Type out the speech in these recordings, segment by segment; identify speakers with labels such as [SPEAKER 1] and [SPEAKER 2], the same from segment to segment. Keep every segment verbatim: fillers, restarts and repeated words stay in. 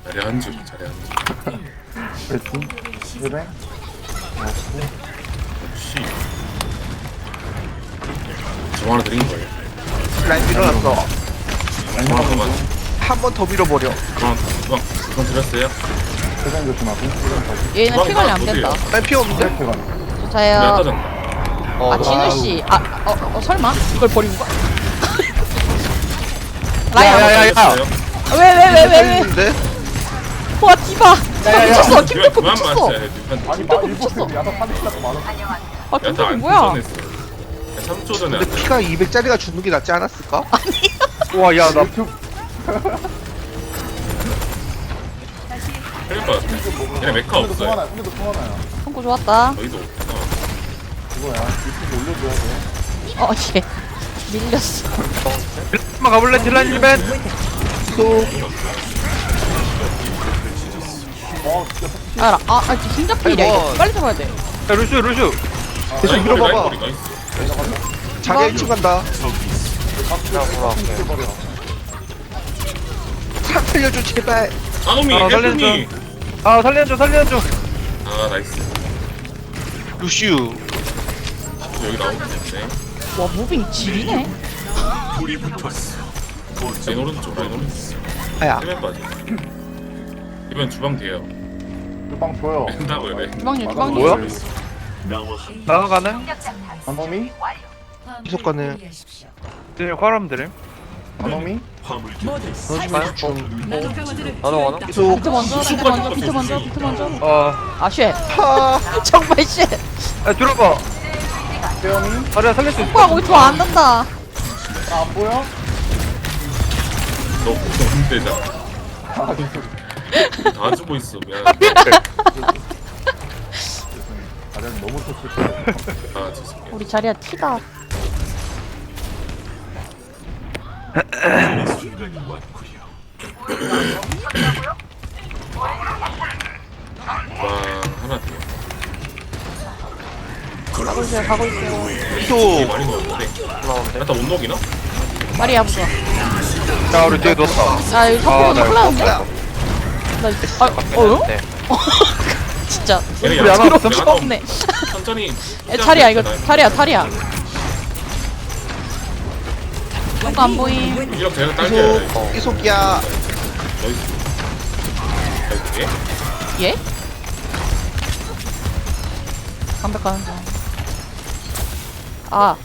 [SPEAKER 1] 자리 한 줄, 자리 한 줄.
[SPEAKER 2] 그랬지? 그래?
[SPEAKER 1] 역시. 저 하나 드린 거예요.
[SPEAKER 3] 라인 밀어놨어.
[SPEAKER 1] 그만, 그만.
[SPEAKER 3] 한 번 더 밀어버려.
[SPEAKER 1] 그만, 그만, 그만 드렸어요.
[SPEAKER 2] 세상 조심하고 세상 가지
[SPEAKER 4] 얘는 피 관리 안 된다.
[SPEAKER 3] 라인 피 없는데?
[SPEAKER 2] 이렇게 가네
[SPEAKER 1] 내가
[SPEAKER 4] 저요.
[SPEAKER 1] 따졌다.
[SPEAKER 3] 어,
[SPEAKER 4] 아 진우씨. 아, 어, 어 설마? 이걸 버리고 가? 라이언.
[SPEAKER 3] 야야야야.
[SPEAKER 4] 왜왜 왜 왜 왜?
[SPEAKER 3] 있는데?
[SPEAKER 4] 와 디바. 디바 미쳤어. 김태프
[SPEAKER 1] 그만
[SPEAKER 4] 미쳤어.
[SPEAKER 1] 맞자. 뒷판.
[SPEAKER 2] 아니 막 일본 야사 파니까 많아
[SPEAKER 4] 아
[SPEAKER 1] 야타
[SPEAKER 4] 김태프
[SPEAKER 1] 안
[SPEAKER 4] 뭐야?
[SPEAKER 1] fusion했어. 삼 초 전에
[SPEAKER 3] 근데
[SPEAKER 1] 안
[SPEAKER 3] 피가 이백짜리가 주는 게 낫지 않았을까?
[SPEAKER 2] 와 야나 표
[SPEAKER 1] 틀릴 것 같아. 얘네 메카
[SPEAKER 2] 근데도
[SPEAKER 1] 없어요.
[SPEAKER 2] 통하나 근데도 통하나야
[SPEAKER 4] 성구 좋았다.
[SPEAKER 1] 저희도 없구나.
[SPEAKER 2] 이거야 유튜브 올려줘야 돼
[SPEAKER 4] 어 얘. 밀렸어.
[SPEAKER 5] 한번 가볼래? 딜라인 일벤?
[SPEAKER 3] 또
[SPEAKER 2] 어 진짜
[SPEAKER 4] 알아. 아, 아 진짜 힘잡 필이야
[SPEAKER 3] 아니,
[SPEAKER 4] 이거.
[SPEAKER 3] 뭐.
[SPEAKER 4] 빨리 잡아야 돼.
[SPEAKER 5] 야 루슈 루슈
[SPEAKER 3] 계속
[SPEAKER 1] 라인
[SPEAKER 3] 밀어봐봐.
[SPEAKER 1] 머리, 라인 머리, 나이스.
[SPEAKER 3] 자기 일 층 간다.
[SPEAKER 2] 버려
[SPEAKER 3] 싹 살려줘 제발.
[SPEAKER 1] 나노미,
[SPEAKER 5] 아,
[SPEAKER 1] 헬프미.
[SPEAKER 5] 아 살려줘 살려줘
[SPEAKER 1] 아, 나이스.
[SPEAKER 3] 루슈.
[SPEAKER 1] 여기 나오는데.
[SPEAKER 4] 와 무빙 지리네.
[SPEAKER 1] 라인 오른쪽, 라인 오른쪽.
[SPEAKER 3] 아야.
[SPEAKER 1] 세면 빠지. 이번 주방 돼요.
[SPEAKER 2] 주방 줘요
[SPEAKER 1] 된다고요, 네.
[SPEAKER 4] 주방님 주방님.
[SPEAKER 5] 뭐야? 나가가네?
[SPEAKER 2] 안놈이?
[SPEAKER 3] 계속 가는.
[SPEAKER 5] 네 화람 드림
[SPEAKER 2] 안놈이?
[SPEAKER 5] 넣어줄까요? 나도 가나?
[SPEAKER 3] 계속.
[SPEAKER 4] 비트 먼저. 비트 먼저. 비트 먼저. 비트 먼저.
[SPEAKER 5] 어...
[SPEAKER 4] 아 쉣.
[SPEAKER 3] 하.
[SPEAKER 4] 정말 쉣.
[SPEAKER 5] 야 들어봐
[SPEAKER 2] 세영이?
[SPEAKER 5] 다리야 살릴 수 있어
[SPEAKER 4] 뭐야 거기 좋안 난다.
[SPEAKER 2] 아 안 보여?
[SPEAKER 1] 너 너무 되잖아.
[SPEAKER 2] 아 계속
[SPEAKER 1] 다 주고 있어. 미안.
[SPEAKER 2] 다리는 너무 좋지
[SPEAKER 1] 아, 죄송해요.
[SPEAKER 4] 우리 자리야 티다.
[SPEAKER 1] 와, 하나 더.
[SPEAKER 4] 가고 있어요. 가고 있어요.
[SPEAKER 1] 되게
[SPEAKER 3] 또.
[SPEAKER 1] 많이 넣었는데. 야타 못 녹이나?
[SPEAKER 4] 마리아 부좋아.
[SPEAKER 5] 자 우리 뒤에 누웠다
[SPEAKER 4] 야 이거
[SPEAKER 5] 아,
[SPEAKER 4] 석고는
[SPEAKER 5] 나
[SPEAKER 4] 큰일 났는데?
[SPEAKER 3] 야.
[SPEAKER 4] 나 이거 아 어요?
[SPEAKER 5] 네.
[SPEAKER 4] 진짜
[SPEAKER 1] 얘네
[SPEAKER 5] 우리
[SPEAKER 1] 야타
[SPEAKER 5] 하나
[SPEAKER 4] 들어
[SPEAKER 1] 야타
[SPEAKER 4] 없네.
[SPEAKER 1] 천천히.
[SPEAKER 4] 에 탈이야 이거 탈이야 탈이야. 뭔가 안 보임.
[SPEAKER 1] 이렇게 제가 딸게요.
[SPEAKER 3] 계속. 계속이야.
[SPEAKER 1] 나이스. 나이스.
[SPEAKER 4] 예? 완벽한 거. 아.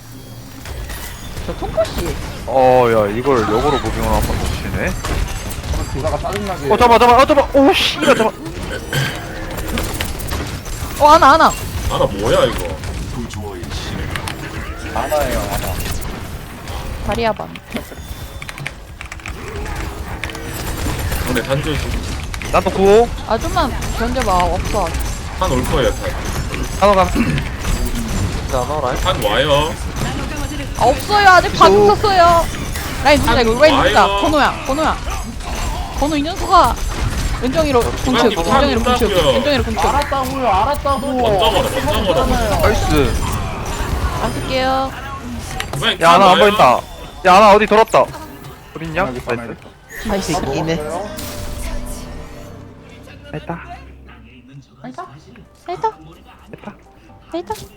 [SPEAKER 4] 저 통코씨.
[SPEAKER 5] 어야 이걸 역으로 무빙을 한번 붙이네
[SPEAKER 2] 두사가 짜증나게
[SPEAKER 5] 어 잡아 잡아 어 잡아 오씨 이거 잡아
[SPEAKER 4] 어 하나 하나.
[SPEAKER 1] 아나 뭐야 이거?
[SPEAKER 2] 아나예요 아나
[SPEAKER 4] 다리야 반.
[SPEAKER 1] 근데 단줄
[SPEAKER 5] 나도 구호
[SPEAKER 4] 아 좀만 견뎌봐. 없어.
[SPEAKER 1] 한올 거예요. 탄.
[SPEAKER 5] 하나 가
[SPEAKER 1] 한 와요.
[SPEAKER 4] 아 없어요. 아직 반 없었어요. 라인 누르자 이거. 라인 누르자.
[SPEAKER 1] 와요.
[SPEAKER 4] 건호야. 건호야. 건호 이 녀석아. 은정이로 공축.
[SPEAKER 1] 이거
[SPEAKER 4] 은정이로 공축.
[SPEAKER 1] 한다고요.
[SPEAKER 4] 은정이로 공축.
[SPEAKER 2] 알았다고요 알았다고
[SPEAKER 1] 먼저 걸어, 먼저 걸어.
[SPEAKER 3] 나이스.
[SPEAKER 4] 안 쓸게요.
[SPEAKER 1] 이번엔
[SPEAKER 5] 야 하나
[SPEAKER 1] 탄
[SPEAKER 5] 안
[SPEAKER 1] 와요.
[SPEAKER 5] 보인다 야 하나 어디 돌았다 어딨냐?
[SPEAKER 2] 알겠어,
[SPEAKER 5] 나이스
[SPEAKER 2] 알겠어.
[SPEAKER 4] 나이스.
[SPEAKER 3] 이네.
[SPEAKER 2] 먹었어요?
[SPEAKER 5] 됐다
[SPEAKER 4] 나이스. 나이스.
[SPEAKER 5] 됐다
[SPEAKER 4] 나이스.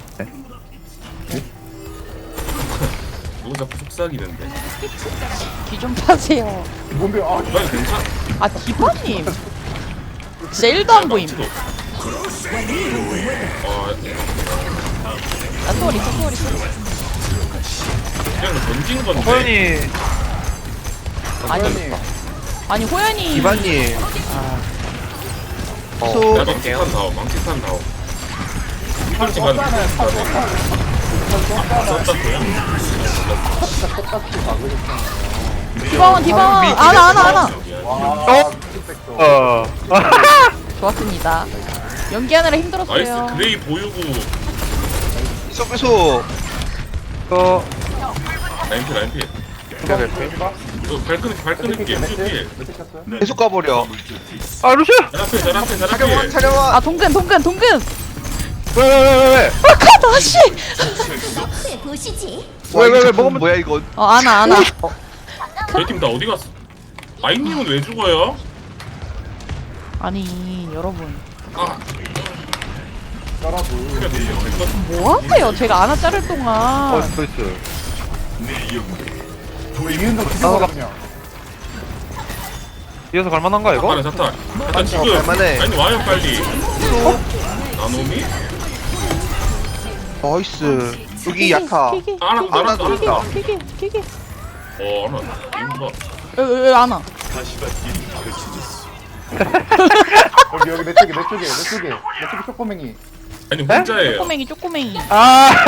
[SPEAKER 1] 누구 자꾸 속삭이는데.
[SPEAKER 4] 귀좀 파세요.
[SPEAKER 2] 뭔데 아
[SPEAKER 1] 이번엔 괜찮.
[SPEAKER 4] 아 디바님. 진짜 일도 안 보임.
[SPEAKER 1] 망치도. 어,
[SPEAKER 4] 아 소리 소리 소리.
[SPEAKER 1] 그냥 던진 건데.
[SPEAKER 5] 호연이
[SPEAKER 4] 아니
[SPEAKER 2] 호연이
[SPEAKER 4] 아니 호연이.
[SPEAKER 3] 이반님.
[SPEAKER 1] 야,
[SPEAKER 3] 계속.
[SPEAKER 1] 망치탄 다오, 망치탄 다오. 이ፈል지 가는
[SPEAKER 2] 썼잖아요
[SPEAKER 1] 거 썼다고요?
[SPEAKER 2] 똑같이 막으셨잖아요
[SPEAKER 4] 디바원 디바원. 아나 아나 아나.
[SPEAKER 2] 와
[SPEAKER 5] 어?
[SPEAKER 2] 팩트
[SPEAKER 5] 어
[SPEAKER 4] 좋았습니다. 연기하느라
[SPEAKER 1] 나이스.
[SPEAKER 4] 힘들었어요.
[SPEAKER 1] 그레이 보유고.
[SPEAKER 3] 계속 계속.
[SPEAKER 5] 어
[SPEAKER 1] 라인피, 라인피. 이거 발끈, 발끈을게. 뮤필.
[SPEAKER 3] 계속 가버려.
[SPEAKER 5] 아 루슈
[SPEAKER 1] 자라필, 자라필,
[SPEAKER 3] 차려와
[SPEAKER 1] 자라필.
[SPEAKER 3] 차려와.
[SPEAKER 4] 아 동근 동근 동근.
[SPEAKER 5] 왜왜왜왜
[SPEAKER 4] 아까 다시.
[SPEAKER 6] 보시지.
[SPEAKER 3] 왜 왜 왜
[SPEAKER 5] 먹으면-
[SPEAKER 3] 뭐야 이건?
[SPEAKER 4] 어 아나 아나.
[SPEAKER 1] 저희 팀 다 어디 갔어? 아이님은 왜 죽어요?
[SPEAKER 4] 아니 여러분
[SPEAKER 1] 아
[SPEAKER 2] 따라도.
[SPEAKER 1] 그래 됐어.
[SPEAKER 4] 뭐 하세요? 제가 안아 자를
[SPEAKER 5] 어,
[SPEAKER 4] 동안
[SPEAKER 5] 스페이스.
[SPEAKER 2] 이은도 죽여버렸냐.
[SPEAKER 5] 이어서 갈만한가, 이거?
[SPEAKER 1] 아빠는 사탄 사탄 지금
[SPEAKER 3] 갈만해.
[SPEAKER 1] 아니 와요 빨리 나노미?
[SPEAKER 3] 나이스. 여기 야타.
[SPEAKER 4] 키기
[SPEAKER 1] 알아 알아 알아
[SPEAKER 3] 알아.
[SPEAKER 1] 알아
[SPEAKER 4] 키기 키기
[SPEAKER 1] 어 알아 이거
[SPEAKER 4] 왜왜 안아
[SPEAKER 2] 여기 여기 내 쪽에 내 쪽에 내 쪽에 내 쪽에 쪼꼬맹이.
[SPEAKER 1] 아니 혼자예요
[SPEAKER 4] 쪼꼬맹이 쪼꼬맹이
[SPEAKER 5] 아!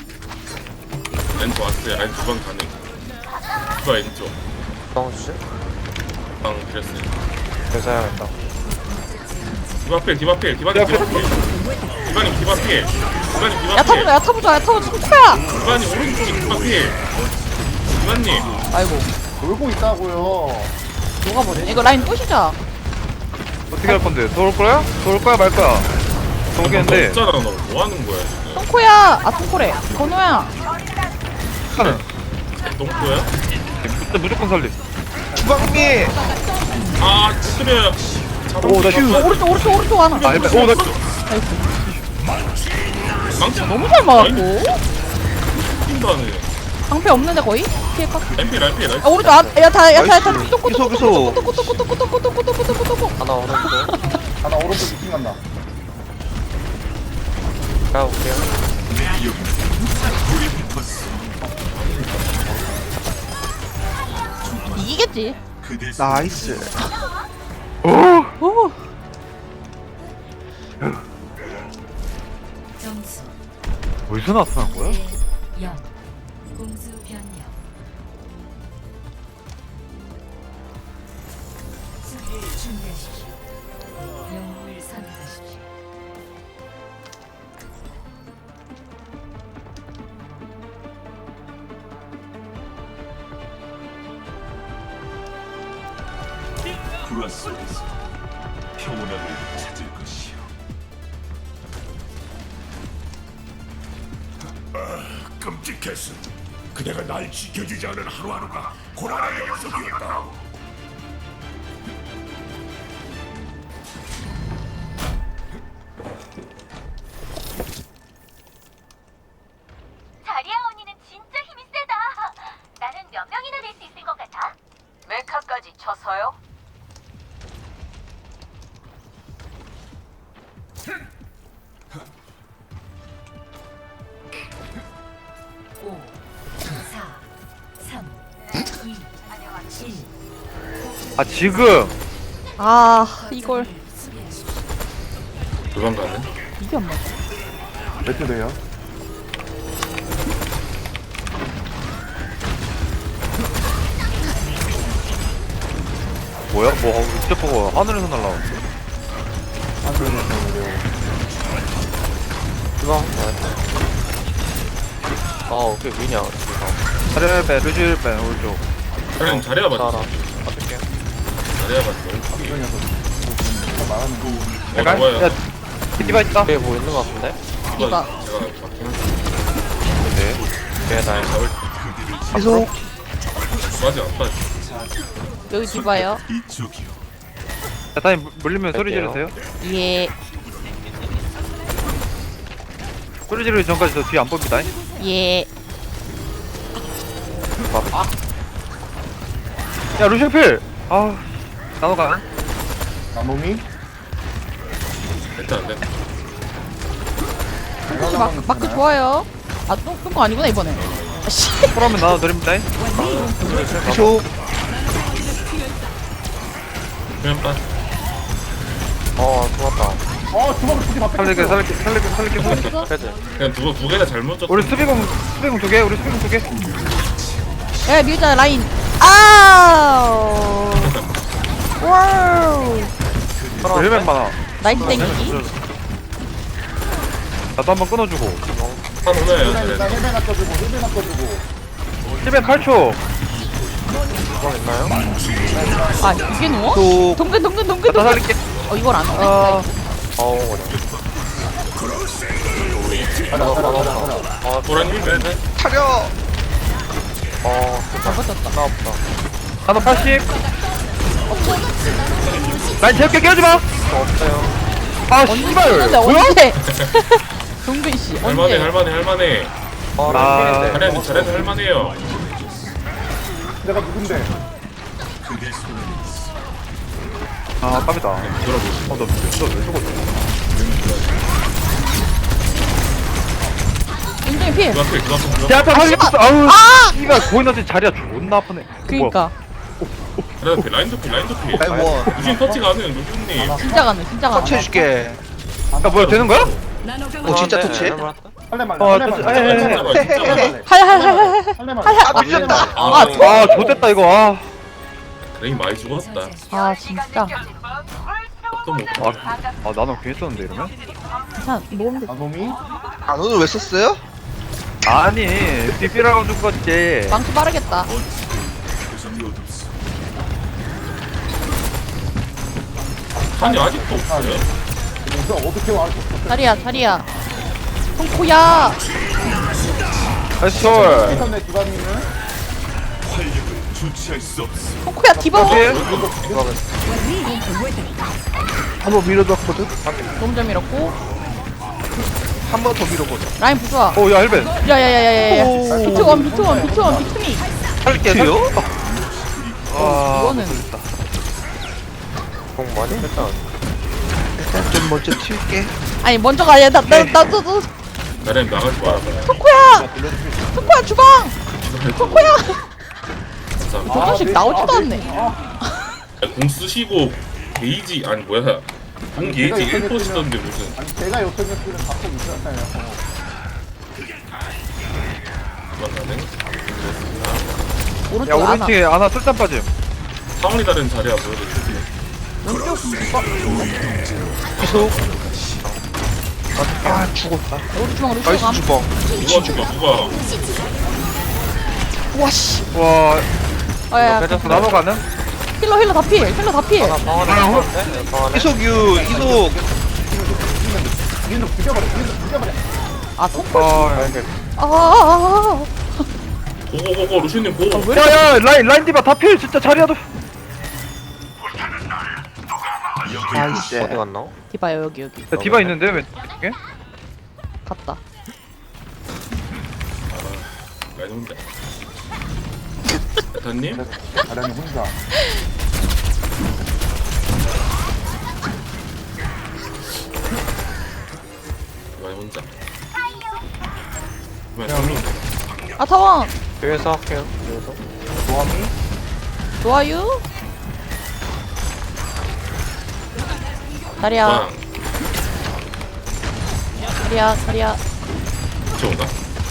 [SPEAKER 1] 왼쪽 왔어요 아니 두방 가능 두방 왼쪽
[SPEAKER 6] 뻥주지?
[SPEAKER 1] 방 드렸어요
[SPEAKER 6] 여자야겠다.
[SPEAKER 1] 디바필 디바필 디바님 디바필 디바님 디바필 디바님
[SPEAKER 4] 야타
[SPEAKER 1] 디바필
[SPEAKER 4] 보자 야타 보자 야타 보자 초코야
[SPEAKER 1] 디바님 오른쪽에 디바필 디바님
[SPEAKER 4] 아이고
[SPEAKER 2] 돌고 있다고요.
[SPEAKER 4] 녹아버리네 이거 라인 꼬시자
[SPEAKER 5] 어떻게 할 건데? 돌 거야? 돌 거야, 말 거야? 모르겠는데.
[SPEAKER 1] 없잖아 너 뭐하는 거야 지금
[SPEAKER 4] 똥코야 아 똥코래 건우야
[SPEAKER 5] 하는.
[SPEAKER 1] 똥꼬야?
[SPEAKER 5] 무조건, 무조건 살림.
[SPEAKER 3] 주방미.
[SPEAKER 1] 아 찌그려요
[SPEAKER 5] 오, 나 휴.
[SPEAKER 4] 어, 오른쪽 오른쪽 오른쪽 안아
[SPEAKER 5] 아, 일단, 오, 나.
[SPEAKER 1] 망치
[SPEAKER 4] 너무 잘 막았고
[SPEAKER 1] 뛴다네
[SPEAKER 4] 방패 없는데 거의? 피해가
[SPEAKER 1] 랄피 랄피
[SPEAKER 4] 아
[SPEAKER 1] 랄피
[SPEAKER 4] 오른쪽 안 야타 야타 야타
[SPEAKER 3] 나이스.
[SPEAKER 4] 똥꼬
[SPEAKER 3] 계속,
[SPEAKER 4] 똥꼬
[SPEAKER 3] 계속.
[SPEAKER 4] 똥꼬 똥꼬 똥꼬 똥꼬 똥꼬 똥꼬 똥꼬 똥꼬
[SPEAKER 6] 하나 오른쪽.
[SPEAKER 2] 하나 오른쪽 미팅 간다.
[SPEAKER 6] 가볼게요.
[SPEAKER 4] 이기겠지
[SPEAKER 3] 나이스.
[SPEAKER 4] 오
[SPEAKER 7] 점수
[SPEAKER 5] 어디서 나타난 거야?
[SPEAKER 7] 영 공수 변경 수비를 준비하십시오. 영웅을 선택하십시오.
[SPEAKER 8] 불화 속에서 평온함을 찾을 것이요. 아, 끔찍했어. 그대가 날 지켜주지 않은 하루하루가 고난의 연속이었다.
[SPEAKER 9] 자리아 언니는 진짜 힘이 세다. 나는 몇 명이나 될 수 있을 것 같아? 메카까지 쳐서요?
[SPEAKER 7] 오, 사, 삼, 이, 일.
[SPEAKER 5] 아, 지금!
[SPEAKER 4] 아 이걸
[SPEAKER 7] 수비하십시오.
[SPEAKER 1] 두방 가능?
[SPEAKER 4] 이게 안 맞아
[SPEAKER 2] 몇 대 돼요?
[SPEAKER 5] 뭐야? 뭐, 진짜 보고 하늘에서 날라오는데?
[SPEAKER 2] 안 그러겠어요.
[SPEAKER 6] 이거 아, 어떻게 위냐? 이거.
[SPEAKER 5] 자리에 빼, 루시를 빼, 오른쪽.
[SPEAKER 1] 그냥 잘해야
[SPEAKER 6] 따라.
[SPEAKER 1] 봤어
[SPEAKER 6] 어떻게?
[SPEAKER 1] 잘해야 봤어
[SPEAKER 2] 이 녀석. 진짜 말하는 거.
[SPEAKER 1] 어
[SPEAKER 5] 약간?
[SPEAKER 1] 좋아요
[SPEAKER 5] 야, 디바 있다.
[SPEAKER 6] 뒤에 뭐 있는 것 같은데?
[SPEAKER 4] 이봐
[SPEAKER 1] 제가 맞긴 한데
[SPEAKER 5] 네.
[SPEAKER 6] 뒤에 날.
[SPEAKER 1] 잡을
[SPEAKER 3] 계속.
[SPEAKER 1] 맞지 안 빠지
[SPEAKER 4] 여기 디바요
[SPEAKER 8] 이쪽이요.
[SPEAKER 5] 자, 다니 물리면 소리
[SPEAKER 6] 뺄게요.
[SPEAKER 5] 지르세요.
[SPEAKER 4] 예
[SPEAKER 5] 소리 지르기 전까지 저 뒤에 안 봅니다.
[SPEAKER 4] 예.
[SPEAKER 5] 야, 루시필! 아, 나도 가.
[SPEAKER 2] 나노미?
[SPEAKER 1] 일단 안 된다
[SPEAKER 4] 혹시 마크, 마크 좋아요 아 똥, 똥거 아니구나 이번에 아씨
[SPEAKER 5] 그러면 나도 드립니다.
[SPEAKER 3] 계속.
[SPEAKER 1] 그냥 빠
[SPEAKER 6] 어, 좋았다.
[SPEAKER 2] 어 주먹을 두개 맞
[SPEAKER 5] 살릴게, 살릴게, 살릴게, 살릴게, 살릴게.
[SPEAKER 6] 패드.
[SPEAKER 1] 그냥 두번 두 개나 잘못 줬다
[SPEAKER 5] 우리 수비공, 수비공 두 개, 우리 수비공 두 개.
[SPEAKER 4] 야 밀자 라인 아우 와우
[SPEAKER 5] 헬멧 많아.
[SPEAKER 4] 나이스 땡기기
[SPEAKER 5] 나도 한번 끊어주고.
[SPEAKER 1] 한 오나요
[SPEAKER 2] 일단
[SPEAKER 1] 잘해
[SPEAKER 2] 헬멧 낚아주고 헬멧 낚아주고.
[SPEAKER 5] 힐벤 팔 초.
[SPEAKER 6] 이거 있나요?
[SPEAKER 4] 아 이게 누워?
[SPEAKER 3] 또.
[SPEAKER 4] 동근 동근 동근
[SPEAKER 5] 나
[SPEAKER 4] 동근
[SPEAKER 5] 살릴게.
[SPEAKER 4] 어 이걸 안 오네
[SPEAKER 5] 아,
[SPEAKER 6] 어우, 어려.
[SPEAKER 2] 가자 가자 가자 가자.
[SPEAKER 6] 어,
[SPEAKER 1] 보라님 힐
[SPEAKER 3] 차려.
[SPEAKER 6] 어,
[SPEAKER 4] 잘 버텼다
[SPEAKER 6] 하나 없다.
[SPEAKER 5] 나도 팔십. 라인 재밌게 깨우지마
[SPEAKER 6] 없어요.
[SPEAKER 5] 아
[SPEAKER 4] 언제
[SPEAKER 5] 씨발
[SPEAKER 4] 쓰는데
[SPEAKER 5] 뭐야?
[SPEAKER 4] 언제? 동근 씨
[SPEAKER 1] 할만해
[SPEAKER 4] 언제?
[SPEAKER 1] 할만해 할만해.
[SPEAKER 6] 아,
[SPEAKER 5] 아.
[SPEAKER 6] 아,
[SPEAKER 1] 잘해 잘해서 할만해요.
[SPEAKER 2] 내가 누군데?
[SPEAKER 5] 아 깜이다
[SPEAKER 1] 들어보시.
[SPEAKER 5] 어너왜 죽었어
[SPEAKER 4] 인정이 필.
[SPEAKER 1] 그 앞에 그 앞에 그
[SPEAKER 5] 제
[SPEAKER 1] 앞에.
[SPEAKER 5] 앞에 살리겠어 아우
[SPEAKER 4] 아!
[SPEAKER 5] 씨발 보이너지 자리가 존나 아프네
[SPEAKER 4] 그니까
[SPEAKER 1] 라인 도피 라인 도피 라인 도피.
[SPEAKER 3] 라인 원.
[SPEAKER 1] 루신 터치가 안 해요 루신님.
[SPEAKER 4] 진짜 가능 진짜 가능.
[SPEAKER 3] 터치해줄게.
[SPEAKER 5] 야 뭐야 되는 거야?
[SPEAKER 3] 어 진짜
[SPEAKER 6] 네,
[SPEAKER 3] 터치?
[SPEAKER 6] 네,
[SPEAKER 2] 할래 말래.
[SPEAKER 5] 어,
[SPEAKER 2] 할래
[SPEAKER 5] 터치-
[SPEAKER 2] 말래.
[SPEAKER 5] 에, 에, 에.
[SPEAKER 2] 할래 말래.
[SPEAKER 1] 진짜 말해.
[SPEAKER 4] 할할할할할.
[SPEAKER 2] 할래 말래.
[SPEAKER 3] 아 늦었다.
[SPEAKER 1] 아,
[SPEAKER 5] 아 좋됐다 이거 아
[SPEAKER 1] 레인 많이 죽었다.
[SPEAKER 4] 아 진짜.
[SPEAKER 1] 또 뭐.
[SPEAKER 5] 아, 아 나는 괜히 썼는데 이러면?
[SPEAKER 4] 괜찮아 모으면 돼.
[SPEAKER 2] 아 놈이?
[SPEAKER 3] 아 오늘 왜 썼어요?
[SPEAKER 5] 아니 비비라고 죽었지
[SPEAKER 4] 망치 빠르겠다.
[SPEAKER 1] 아니 아직도 없어요.
[SPEAKER 2] 이거 어떻게 와?
[SPEAKER 4] 자리야 자리야. 통코야.
[SPEAKER 5] 나이스 sol
[SPEAKER 2] 이선내 주관님은
[SPEAKER 8] 주체할 수 없어.
[SPEAKER 4] 통코야 디바.
[SPEAKER 3] 한번 밀어봤거든.
[SPEAKER 4] 너무 잘 밀었고.
[SPEAKER 3] 한 번 더 밀어보자.
[SPEAKER 4] 라인 부수아.
[SPEAKER 5] 오야 헬벤
[SPEAKER 4] 야야야야야야. 비트원 비트원 비트원 비트미.
[SPEAKER 5] 살릴게
[SPEAKER 3] 요
[SPEAKER 5] 아
[SPEAKER 4] 이거는
[SPEAKER 6] 공 많이 했다.
[SPEAKER 3] 일단 좀 먼저 튈게.
[SPEAKER 4] 아니 먼저 가야 나나나도
[SPEAKER 1] 나랑 나가지 말아봐요.
[SPEAKER 4] 통코야. 통코야 주방. 통코야.
[SPEAKER 1] 감사합니다.
[SPEAKER 4] 저 자식 나오지도 않네.
[SPEAKER 1] 공 쓰시고 게이지 아니 뭐야 공 게이지 일 퍼센트 시던데 무슨.
[SPEAKER 2] 아니 제가 요청했으면 갖고 있었잖아요.
[SPEAKER 1] 맞나네?
[SPEAKER 5] 야
[SPEAKER 4] 오른쪽 안아.
[SPEAKER 5] 오른쪽에 아나 술잔 빠짐
[SPEAKER 1] 상황이 다른 자리야 보여드릴게요.
[SPEAKER 3] 계속. 아 죽었다.
[SPEAKER 4] 우리 주방 우리
[SPEAKER 3] 나이스
[SPEAKER 4] 주방.
[SPEAKER 3] 주방.
[SPEAKER 1] 누가 죽어 누가.
[SPEAKER 4] 와씨.
[SPEAKER 5] 와
[SPEAKER 4] 아야.
[SPEAKER 6] 빼졌어.
[SPEAKER 5] 나노 가능?
[SPEAKER 4] 힐러 힐러 다 필. 힐러 다 필.
[SPEAKER 6] 하나 방 안에 있었는데? 방 안에?
[SPEAKER 3] 이속유 이속.
[SPEAKER 2] 이거 죽여버려. 이거 죽여버려.
[SPEAKER 4] 아 통코.
[SPEAKER 5] 아
[SPEAKER 4] 아, 아, 아.
[SPEAKER 1] 고고고고 루시님 고.
[SPEAKER 4] 왜 이렇게
[SPEAKER 5] 야야 라인 라인 디바 다필 진짜 자리야도
[SPEAKER 3] 나이스.
[SPEAKER 6] 어디 갔나?
[SPEAKER 4] 디바요 여기 여기.
[SPEAKER 5] 야 디바 있는데 왜 이게?
[SPEAKER 4] 갔다.
[SPEAKER 1] 라인 혼자. 대타님?
[SPEAKER 2] 아련이 혼자.
[SPEAKER 1] 라인 혼자. 그러면
[SPEAKER 4] 아 타원.
[SPEAKER 6] 뒤에서 할게요. 뒤에서.
[SPEAKER 2] 조함이?
[SPEAKER 4] 좋아요. 다리야
[SPEAKER 1] 방
[SPEAKER 4] 다리야 다리야.
[SPEAKER 1] 쫓아온다.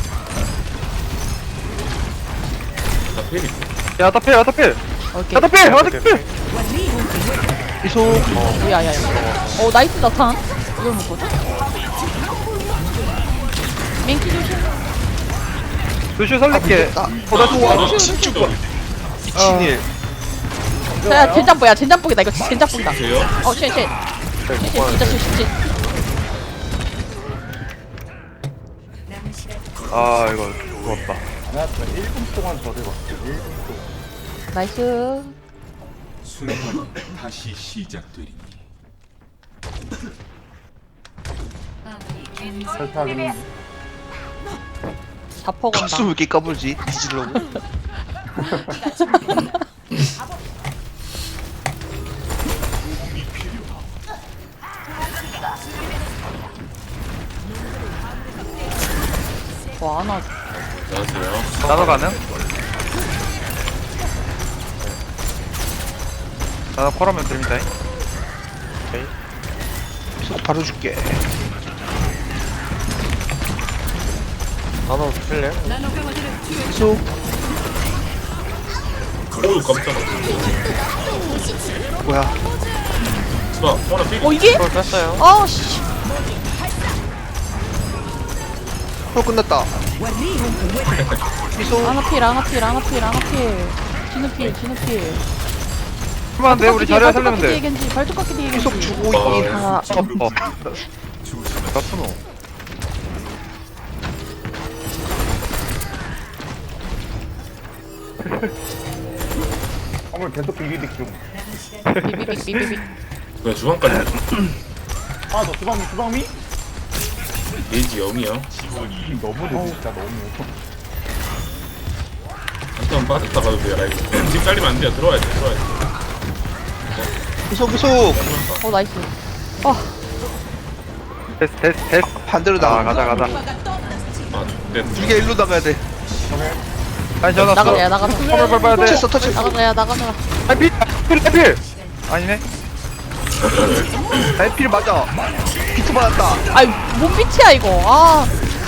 [SPEAKER 1] 나 페리.
[SPEAKER 5] 야 다필 야 다필
[SPEAKER 4] 오케이.
[SPEAKER 5] 야 다필 야 다필
[SPEAKER 3] 이속.
[SPEAKER 4] 야야야. 어 나이스 나탄. 이걸 못 보자. 맹키 조심.
[SPEAKER 5] 루슈 살릴게
[SPEAKER 3] 아,
[SPEAKER 5] 어나 좋아
[SPEAKER 1] 너
[SPEAKER 3] 진짜
[SPEAKER 1] 죽어.
[SPEAKER 3] 미친일.
[SPEAKER 4] 야 젠장보야 젠장보기다 이거 젠장보기다.
[SPEAKER 1] 보세요.
[SPEAKER 4] 어 쉣, 쉣. 쉣, 쉣, 진짜 쉣, 쉣, 쉣.
[SPEAKER 7] 남은 시간
[SPEAKER 5] 아 이거 죽었다
[SPEAKER 2] 아니야, 일 분 동안 저를 봤어. 일 분 동안.
[SPEAKER 4] 나이스.
[SPEAKER 8] 순환이 다시 시작되리니.
[SPEAKER 7] 마무리.
[SPEAKER 2] 설탕은
[SPEAKER 4] 자퍼 건다.
[SPEAKER 3] 가수 왜 이렇게 까불지? 뒤질려고.
[SPEAKER 4] 와 안아.
[SPEAKER 1] 안녕하세요.
[SPEAKER 5] 나노 가능? 나노 콜하면 됩니다
[SPEAKER 3] 이속 바로 줄게.
[SPEAKER 6] 나눠 줄래?
[SPEAKER 3] 이속.
[SPEAKER 1] 오 깜짝아.
[SPEAKER 3] 뭐야?
[SPEAKER 1] 봐 하나 페리.
[SPEAKER 4] 어 이게?
[SPEAKER 6] 그걸 뺐어요.
[SPEAKER 4] 아 씨.
[SPEAKER 3] 어 끝났다. 이속.
[SPEAKER 4] 아나 필 아나 필 아나 필 아나 필. 진우 필 진우 필.
[SPEAKER 5] 그만 돼 우리 자리야 살리면 돼
[SPEAKER 4] 겐지 발톱 깎기 뒤에 겐지.
[SPEAKER 3] 이속 주고
[SPEAKER 1] 어,
[SPEAKER 3] 있긴.
[SPEAKER 4] 아
[SPEAKER 5] 어, 어. 나쁘노
[SPEAKER 2] 오늘 계속 비비빅 중.
[SPEAKER 4] 비비빅 비비빅.
[SPEAKER 1] 왜 주방까지
[SPEAKER 2] 아, 너 주방미, 주방미?
[SPEAKER 1] 게이지 영이야.
[SPEAKER 2] 너무 돼, 진짜 너무.
[SPEAKER 1] 한번 빠졌다 가도 돼요 라이브. 집 잘리면 안 돼요. 들어와야 돼. 들어와야 돼.
[SPEAKER 3] 구속 구속.
[SPEAKER 4] 어 나이스. 어
[SPEAKER 5] 됐어 됐어 됐어.
[SPEAKER 3] 반대로
[SPEAKER 5] 아
[SPEAKER 3] 나가.
[SPEAKER 5] 가자 가자.
[SPEAKER 1] 아 네.
[SPEAKER 3] 이게 일로 나가야 돼.
[SPEAKER 5] 아니 전화
[SPEAKER 4] 나가자 야
[SPEAKER 5] 써.
[SPEAKER 4] 나가자.
[SPEAKER 5] 화물 밟아야 돼.
[SPEAKER 3] 터쳤어 터쳤어.
[SPEAKER 4] 나가자 야 나가자.
[SPEAKER 5] 아필 필, 필. 아니네.
[SPEAKER 3] 에필 맞아. 비트 받았다.
[SPEAKER 4] 아이 뭔 빛이야 이거. 아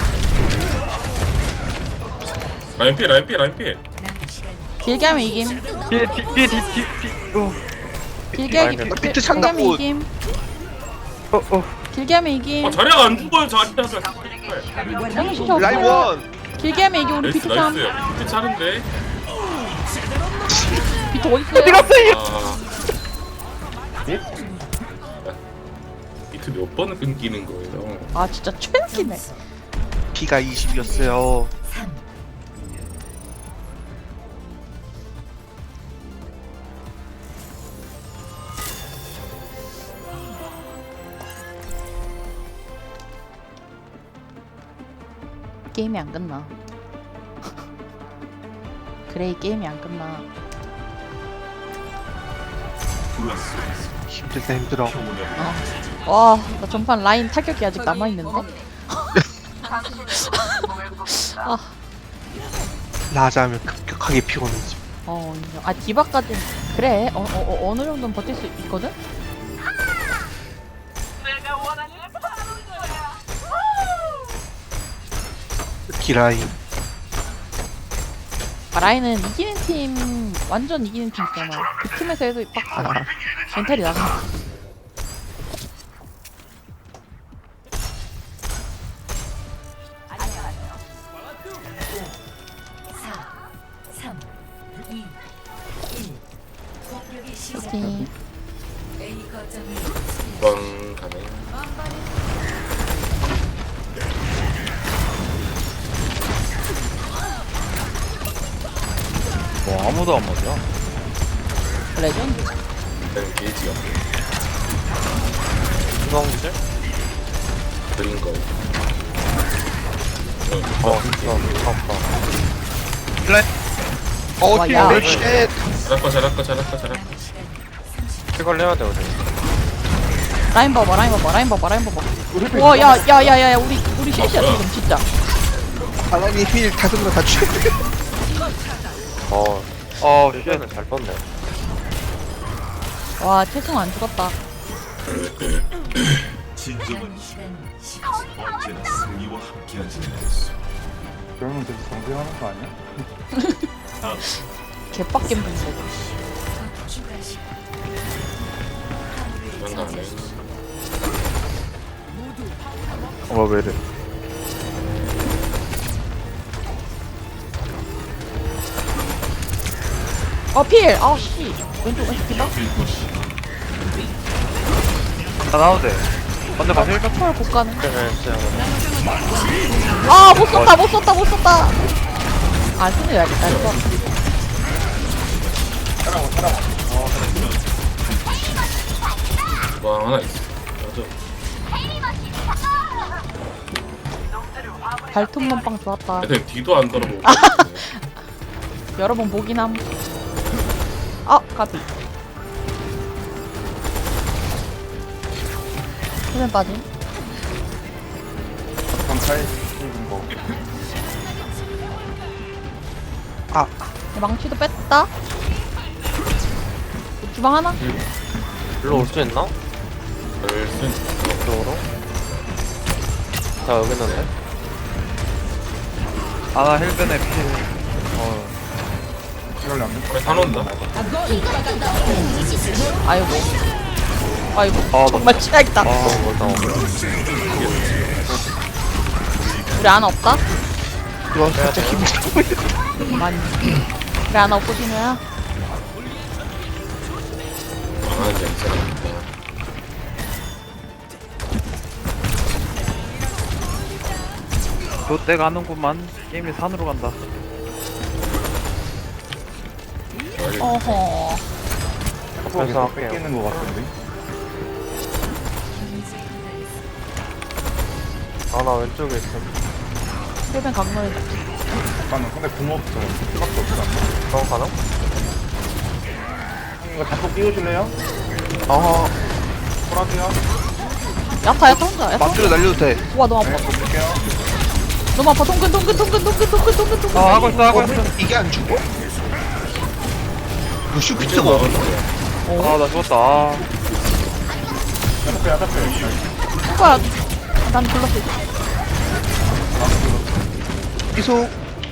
[SPEAKER 1] 라인 피해 라인 피해 라인 피해.
[SPEAKER 4] 길게 하면 이김.
[SPEAKER 5] 뒤에 뒤에 뒤에 뒤에 뒤에. 어.
[SPEAKER 4] 길게 하기
[SPEAKER 5] 라인
[SPEAKER 3] 비트
[SPEAKER 4] 길게
[SPEAKER 3] 창다
[SPEAKER 4] 하면
[SPEAKER 3] 꽃.
[SPEAKER 4] 이김.
[SPEAKER 5] 어 어.
[SPEAKER 4] 길게 하면 이김.
[SPEAKER 1] 아 자리가 안 죽어요 자리가.
[SPEAKER 4] 형이 진짜
[SPEAKER 3] 라인
[SPEAKER 4] 없어요.
[SPEAKER 3] 원.
[SPEAKER 4] 길게 하면 이게 우리
[SPEAKER 1] 나이스
[SPEAKER 4] 비트 참.
[SPEAKER 1] 나이스. 비트 차는데.
[SPEAKER 4] 비트 어딨어요?
[SPEAKER 1] 아. 비트 몇 번을 끊기는 거예요.
[SPEAKER 4] 아 진짜 최악이네.
[SPEAKER 3] 피가 이십이었어요.
[SPEAKER 4] 게임이 안 끝나. 그래 이 게임이 안 끝나.
[SPEAKER 3] 힘들다 힘들어.
[SPEAKER 4] 어. 와, 나 전판 라인 타격이 아직 남아 있는데. 아,
[SPEAKER 3] 라자하면 급격하게 피곤해지.
[SPEAKER 4] 어, 인정. 아 디바까지 그래. 어, 어, 어 어느 정도는 버틸 수 있거든.
[SPEAKER 3] 기라인.
[SPEAKER 4] 아, 라인은 이기는 팀 완전 이기는 팀 있잖아. 그 팀에서 해도 빡
[SPEAKER 3] 아,
[SPEAKER 4] 멘탈이 나가.
[SPEAKER 7] 삼, 이, 일. 공격이 시작.
[SPEAKER 4] 파이팅.
[SPEAKER 7] A 거점을
[SPEAKER 1] 주방 가네.
[SPEAKER 5] 뭐 아무도 안 맞아.
[SPEAKER 4] 레전드.
[SPEAKER 1] 일단 게이지가
[SPEAKER 6] 주방질?
[SPEAKER 1] 그린 거.
[SPEAKER 6] 어 주방 아파.
[SPEAKER 3] 어,
[SPEAKER 4] 와, 야.
[SPEAKER 3] 딜 쉣.
[SPEAKER 1] 잘할까 잘할까 잘할까 잘할까.
[SPEAKER 6] 피걸 해야 돼 우리.
[SPEAKER 4] 라인 봐봐, 라인 봐봐, 라인 봐봐, 라인 봐봐. 와, 야, 야, 야, 야, 야, 우리 우리 셋이야
[SPEAKER 1] 뭐야?
[SPEAKER 4] 지금 진짜.
[SPEAKER 3] 바람이 힐 다섯 명 다 죽여.
[SPEAKER 6] 어
[SPEAKER 5] 어
[SPEAKER 6] 일단은 잘 뻗네.
[SPEAKER 4] 와, 태승 안 죽었다.
[SPEAKER 8] 진정한
[SPEAKER 7] 시간 십
[SPEAKER 8] 언제나 승리와 함께하지 않았어.
[SPEAKER 2] 그러면 되게 정지하는 거 아니야?
[SPEAKER 4] 개빡겜 분데.
[SPEAKER 7] 추가 시간.
[SPEAKER 1] 주방 가네.
[SPEAKER 5] 어 왜 이래?
[SPEAKER 4] 어 필. 아 씨. 왼쪽 왼쪽 디바.
[SPEAKER 5] 나 나와도 돼. 근데 마실 까?
[SPEAKER 4] 헐 못 가는.
[SPEAKER 6] 네 진짜.
[SPEAKER 4] 아, 못 썼다, 못 썼다, 못 썼다. 안 쓰네, 야겠다, 이거.
[SPEAKER 1] 주방 하나 있어. 맞아.
[SPEAKER 4] 발톱만 빵 좋았다.
[SPEAKER 1] 애들 뒤도 안 돌아보고.
[SPEAKER 4] 여러 번 보긴 함. 아, 까비. 수면 빠짐.
[SPEAKER 2] 강타에 찍은 거.
[SPEAKER 3] 아,
[SPEAKER 4] 망치도 뺐다. 주방 하나?
[SPEAKER 6] 일로 올 수 있나?
[SPEAKER 1] 열순.
[SPEAKER 6] 이쪽으로? 자 여기 있는데?
[SPEAKER 5] 아나 힐변에 필. 어.
[SPEAKER 2] 이걸 안 돼?
[SPEAKER 1] 그래 사놓는다.
[SPEAKER 4] 아이고. 아이고.
[SPEAKER 5] 아,
[SPEAKER 4] 정말 취약이다.
[SPEAKER 6] 아 멀다.
[SPEAKER 4] 우리 아나 없다?
[SPEAKER 3] 이거 살짝 힘들어.
[SPEAKER 4] 많이. 우리 아나 없고 진우야?
[SPEAKER 1] 아 이제 괜찮아.
[SPEAKER 5] 롯데 가는구만. 게임이 산으로 간다.
[SPEAKER 4] 어허.
[SPEAKER 6] 그래서 할게요.
[SPEAKER 2] 뺏기는 거 같은데?
[SPEAKER 6] 아, 나 왼쪽에 있어.
[SPEAKER 4] 힐벤 강렬.
[SPEAKER 2] 잠깐만 근데 궁 없어 수밖에 없어
[SPEAKER 6] 너 가나?
[SPEAKER 2] 이거 자꾸 끼우실래요?
[SPEAKER 3] 어
[SPEAKER 2] 콜하세요
[SPEAKER 4] 야타 야타 혼자. 야타
[SPEAKER 3] 맘대로
[SPEAKER 4] 혼자.
[SPEAKER 3] 날려도 돼.
[SPEAKER 4] 와 너무
[SPEAKER 2] 네
[SPEAKER 4] 아파.
[SPEAKER 2] 볼게요
[SPEAKER 4] 너무 아파. 동근 동근 동근 동근 동근 동근 동근.
[SPEAKER 5] 아 하고 있어 하고
[SPEAKER 3] 어,
[SPEAKER 5] 있어.
[SPEAKER 3] 이게 안 죽어? 루슈 퀴즈가 없어.
[SPEAKER 5] 아나 죽었다. 아.
[SPEAKER 2] 야타페 야타페
[SPEAKER 4] 오빠 난 불렀어.
[SPEAKER 3] 계속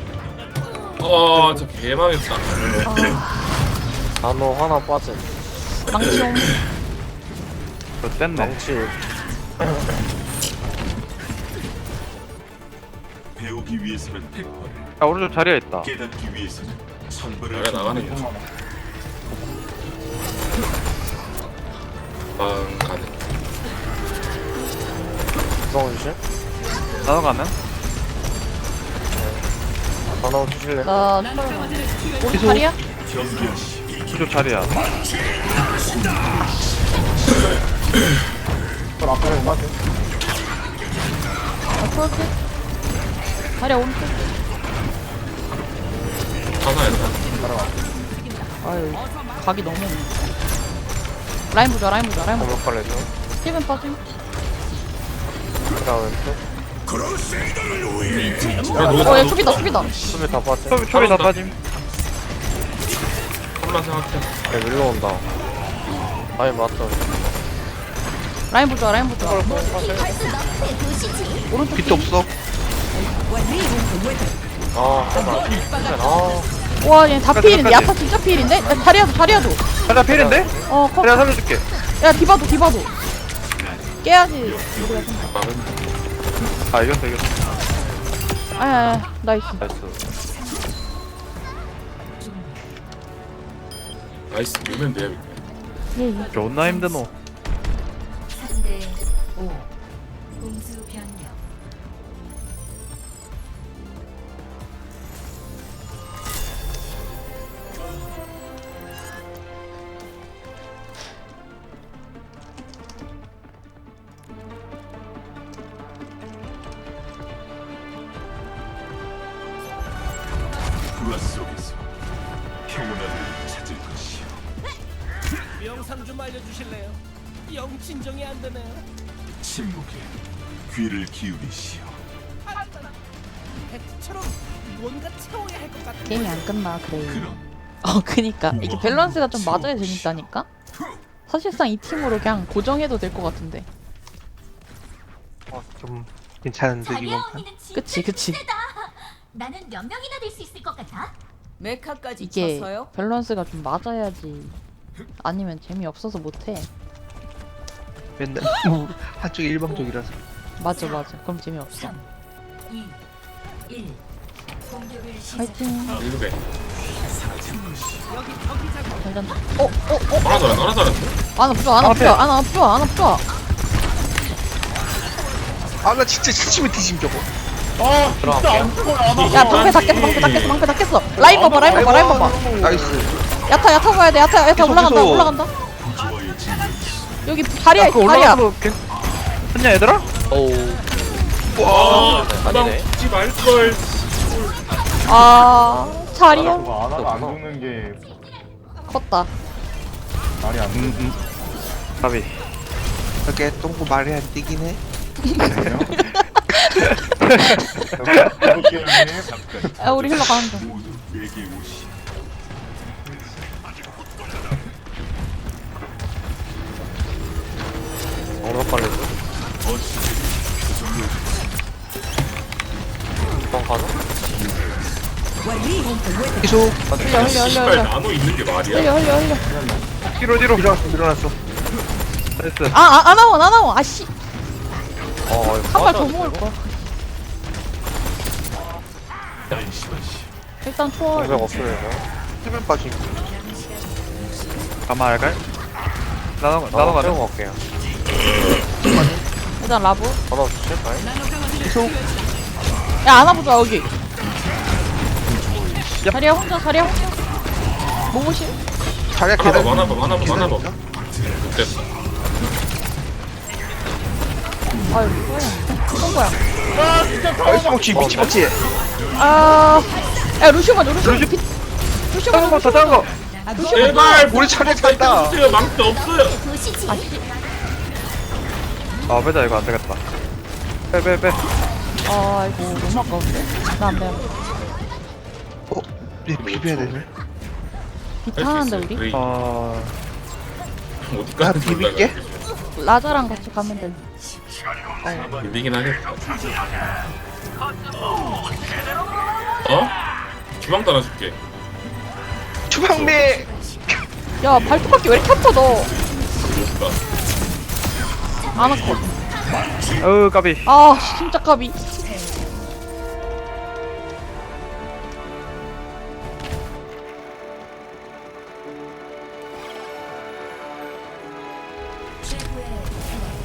[SPEAKER 1] 아, 저 개망했다.
[SPEAKER 6] 나노 하나 빠진.
[SPEAKER 4] 망치용.
[SPEAKER 5] 저 뗐네.
[SPEAKER 6] 망치.
[SPEAKER 8] 배우기 위해서는 백벌을,
[SPEAKER 5] 야 오른쪽 자리에 있다.
[SPEAKER 8] 깨닫기 위해서는 천벌을
[SPEAKER 1] 그래, 나가는 거. 방 가는.
[SPEAKER 6] 구성훈씨?
[SPEAKER 5] 나도 가는?
[SPEAKER 6] 하나 주실래?
[SPEAKER 4] 나 오른 다리야?
[SPEAKER 5] 오른쪽 자리야.
[SPEAKER 2] 저 앞에 못 맞죠?
[SPEAKER 4] 나 풀었지. 다리야 오른쪽.
[SPEAKER 1] 하나였다.
[SPEAKER 4] 아유 각이 너무. 라인 보자 라인 보자 라인 보자.
[SPEAKER 6] 공격 빨래줘.
[SPEAKER 4] 힐벤 빠짐.
[SPEAKER 6] 그라 왼쪽.
[SPEAKER 1] 야, 누가
[SPEAKER 4] 어얘 초기다 초기다.
[SPEAKER 6] 수비 다 빠진.
[SPEAKER 5] 초비 초비 다 빠짐.
[SPEAKER 1] 콜라 생각해.
[SPEAKER 6] 야, 밀러 온다. 아니, 맞다.
[SPEAKER 4] 라인 보자 라인 보자. 오른쪽
[SPEAKER 3] 빛도 없어.
[SPEAKER 6] 아, 하나. 아,
[SPEAKER 4] 와얘 다
[SPEAKER 5] 끝까지,
[SPEAKER 4] 필인데.
[SPEAKER 5] 끝까지.
[SPEAKER 4] 야타 진짜 필인데. 야, 다리야도 다리야도.
[SPEAKER 5] 자리야 필인데?
[SPEAKER 4] 어 컷.
[SPEAKER 5] 자리야 살려줄게.
[SPEAKER 4] 야 디바도 디바도. 깨야지. 우리가 생각.
[SPEAKER 1] 막은.
[SPEAKER 5] 아 이겼어 이겼어.
[SPEAKER 4] 아야 나이스.
[SPEAKER 6] 나이스.
[SPEAKER 1] 나이스, 밀면 돼.
[SPEAKER 4] 예예.
[SPEAKER 5] 존나 힘드노.
[SPEAKER 7] 삼 대 오. 공수 변경.
[SPEAKER 8] 불화 속에서 평온함을 찾을 것이요.
[SPEAKER 10] 영상 좀 알려주실래요? 영 진정이 안 되네요.
[SPEAKER 8] 침묵에 귀를 기울이시오.
[SPEAKER 10] 배트처럼 뭔가 채워야 할 것 같은.
[SPEAKER 4] 게임이 안 끝나 그래.
[SPEAKER 8] 그럼
[SPEAKER 4] 어 그니까 이게 밸런스가 좀 맞아야 재밌다니까. 사실상 이 팀으로 그냥 고정해도 될 것 같은데.
[SPEAKER 3] 어, 좀 괜찮은데 이번 판.
[SPEAKER 4] 그치 그치.
[SPEAKER 9] 나는 몇 명이나 될 수 있을 것 같아?
[SPEAKER 7] 메카까지
[SPEAKER 4] 이게
[SPEAKER 7] 쳐서요?
[SPEAKER 4] 밸런스가 좀 맞아야지. 아니면 재미없어서 못해.
[SPEAKER 3] 맨날 뭐 한쪽이 일방적이라서.
[SPEAKER 4] 맞아 맞아. 그럼 재미없어.
[SPEAKER 7] 삼, 이, 일. 공격을 시작.
[SPEAKER 4] 화이팅.
[SPEAKER 1] 일배.
[SPEAKER 4] 괜찮다. 어? 어? 어?
[SPEAKER 1] 하나 잘한, 하나 잘한.
[SPEAKER 4] 아나 부좋아 아나 부좋아 아나 부좋아 아나 부좋아.
[SPEAKER 3] 아 나 진짜 시치면 뒤짐 저거.
[SPEAKER 2] 아 진짜 안 죽어요 안
[SPEAKER 4] 야 방패 다 깼어 방패 다 깼어 방패 다 깼어. 라인 봐봐 라인 봐봐 라인 봐봐.
[SPEAKER 3] 나이스.
[SPEAKER 4] 야타 야타 봐야 돼 야타 야타
[SPEAKER 3] 계속,
[SPEAKER 4] 올라간다
[SPEAKER 3] 계속.
[SPEAKER 4] 올라간다. 여기 다리야
[SPEAKER 5] 그거
[SPEAKER 4] 다리야.
[SPEAKER 5] 올라가도 괜. 했냐 얘들아?
[SPEAKER 1] 아, 나
[SPEAKER 6] 아니네.
[SPEAKER 1] 웃지 말걸.
[SPEAKER 4] 아 자리야
[SPEAKER 2] 저거 아나가 안 죽는 게
[SPEAKER 4] 컸다.
[SPEAKER 2] 말이 안 되는
[SPEAKER 5] 가비.
[SPEAKER 3] 이렇게 똥꼬 말이 안 뛰긴 해.
[SPEAKER 2] 거예요 해볼게요 형님
[SPEAKER 4] 야 우리 힐러 가는 중.
[SPEAKER 8] 모두 내게 오시.
[SPEAKER 6] 공격 빨래줘. 방 가나?
[SPEAKER 3] 계속
[SPEAKER 4] 흘려 흘려 흘려
[SPEAKER 1] 씨발,
[SPEAKER 4] 흘려
[SPEAKER 1] 나노 있는 게 말이야?
[SPEAKER 4] 흘려 흘려 흘려.
[SPEAKER 5] 뒤로 뒤로.
[SPEAKER 3] 밀어놨어 밀어놨어.
[SPEAKER 5] 나이스.
[SPEAKER 4] 아아 아나원 아나원 아씨
[SPEAKER 6] 어, 이거
[SPEAKER 4] 한 발 더
[SPEAKER 6] 빠져야
[SPEAKER 4] 먹을
[SPEAKER 6] 돼,
[SPEAKER 4] 거야. 일단 초월.
[SPEAKER 6] 공격 없으면
[SPEAKER 3] 해변 빠짐.
[SPEAKER 5] 가마 알갈? 나도 나도
[SPEAKER 6] 나도
[SPEAKER 5] 가자.
[SPEAKER 6] 가지고 갈게요.
[SPEAKER 4] 일단 라브.
[SPEAKER 6] 하나 주실까요?
[SPEAKER 3] 계속
[SPEAKER 4] 야 아나 보자 여기. 자리야 혼자 자리야 혼자. 뭐무시?
[SPEAKER 3] 자리야
[SPEAKER 1] 하나
[SPEAKER 3] 계단.
[SPEAKER 1] 봐, 하나 봐, 하나 봐, 하나 봐.
[SPEAKER 3] 계단인가?
[SPEAKER 1] 됐어.
[SPEAKER 4] 아유 뭐야 이건 거야
[SPEAKER 3] 나이스 먹지 미치 먹지.
[SPEAKER 4] 아야 루시오 먼저 루시오 피 루시오
[SPEAKER 5] 다른
[SPEAKER 4] 먼저
[SPEAKER 5] 거, 다 다른 거.
[SPEAKER 4] 루시오 먼저
[SPEAKER 1] 제발
[SPEAKER 3] 우리 차례 간다.
[SPEAKER 1] 주세요. 망치 없어요.
[SPEAKER 5] 아, 빼자, 이거 안 되겠다. 빼, 빼, 빼.
[SPEAKER 4] 아 이거 너무 아까운데 나 안돼
[SPEAKER 3] 어, 우리 비벼야 되네.
[SPEAKER 4] 비타는데 우리
[SPEAKER 1] 그래.
[SPEAKER 5] 아,
[SPEAKER 1] 어디까지
[SPEAKER 3] 아, 비빌게?
[SPEAKER 1] 돌다가
[SPEAKER 4] 라자랑 같이 가면 돼
[SPEAKER 1] 밀리긴 하겠다. 어? 주방 따라줄게.
[SPEAKER 3] 주방미.
[SPEAKER 4] 야 발톱밖에 왜 이렇게 아파 너
[SPEAKER 1] 그럴까?
[SPEAKER 4] 안 아파
[SPEAKER 5] 어우, 까비.
[SPEAKER 4] 아 진짜 까비
[SPEAKER 7] 최고의 플레이.